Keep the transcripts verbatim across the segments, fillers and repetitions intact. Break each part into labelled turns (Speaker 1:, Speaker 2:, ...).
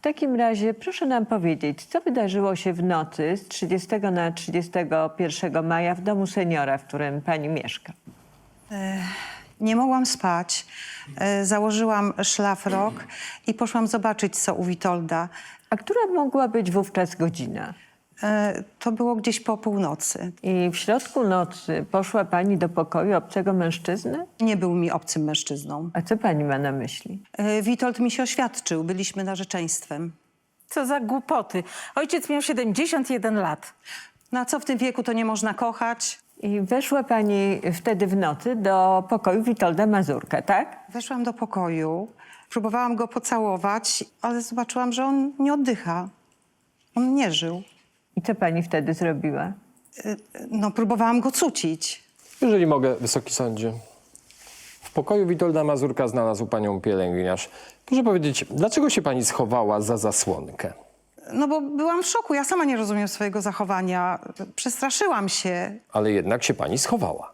Speaker 1: takim razie proszę nam powiedzieć, co wydarzyło się w nocy z trzydziestego na trzydziestego pierwszego maja w domu seniora, w którym pani mieszka?
Speaker 2: Nie mogłam spać. E, Założyłam szlafrok i poszłam zobaczyć, co u Witolda.
Speaker 1: A która mogła być wówczas godzina?
Speaker 2: E, To było gdzieś po północy.
Speaker 1: I w środku nocy poszła pani do pokoju obcego mężczyzny?
Speaker 2: Nie był mi obcym mężczyzną.
Speaker 1: A co pani ma na myśli?
Speaker 2: E, Witold mi się oświadczył. Byliśmy narzeczeństwem.
Speaker 3: Co za głupoty. Ojciec miał siedemdziesiąt jeden lat.
Speaker 2: No a co w tym wieku to nie można kochać?
Speaker 1: I weszła pani wtedy w nocy do pokoju Witolda Mazurka, tak?
Speaker 2: Weszłam do pokoju, próbowałam go pocałować, ale zobaczyłam, że on nie oddycha. On nie żył.
Speaker 1: I co pani wtedy zrobiła?
Speaker 2: No, próbowałam go cucić.
Speaker 4: Jeżeli mogę, Wysoki Sądzie. W pokoju Witolda Mazurka znalazł panią pielęgniarz. Proszę powiedzieć, dlaczego się pani schowała za zasłonkę?
Speaker 2: No bo byłam w szoku. Ja sama nie rozumiem swojego zachowania. Przestraszyłam się.
Speaker 4: Ale jednak się pani schowała.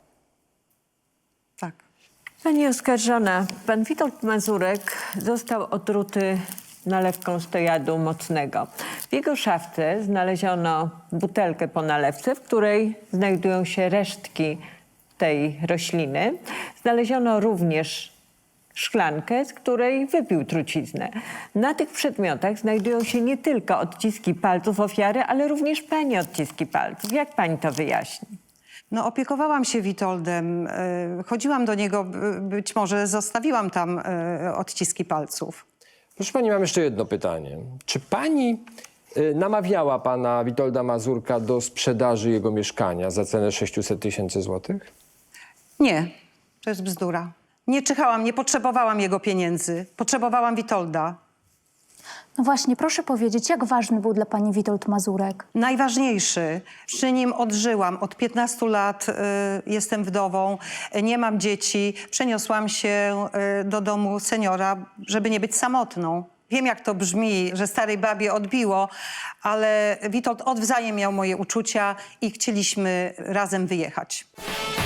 Speaker 2: Tak.
Speaker 1: Pani oskarżona, pan Witold Mazurek został otruty nalewką stojadu mocnego. W jego szafce znaleziono butelkę po nalewce, w której znajdują się resztki tej rośliny. Znaleziono również szklankę, z której wypił truciznę. Na tych przedmiotach znajdują się nie tylko odciski palców ofiary, ale również pani odciski palców. Jak pani to wyjaśni?
Speaker 2: No, opiekowałam się Witoldem. e, Chodziłam do niego, b- być może zostawiłam tam e, odciski palców.
Speaker 4: Proszę pani, mam jeszcze jedno pytanie. Czy pani y, namawiała pana Witolda Mazurka do sprzedaży jego mieszkania za cenę sześciuset tysięcy złotych?
Speaker 2: Nie, to jest bzdura. Nie czyhałam, nie potrzebowałam jego pieniędzy. Potrzebowałam Witolda.
Speaker 5: No właśnie, proszę powiedzieć, jak ważny był dla pani Witold Mazurek?
Speaker 2: Najważniejszy. Przy nim odżyłam. Od piętnastu lat y, jestem wdową, y, nie mam dzieci. Przeniosłam się y, do domu seniora, żeby nie być samotną. Wiem, jak to brzmi, że starej babie odbiło, ale Witold odwzajem miał moje uczucia i chcieliśmy razem wyjechać.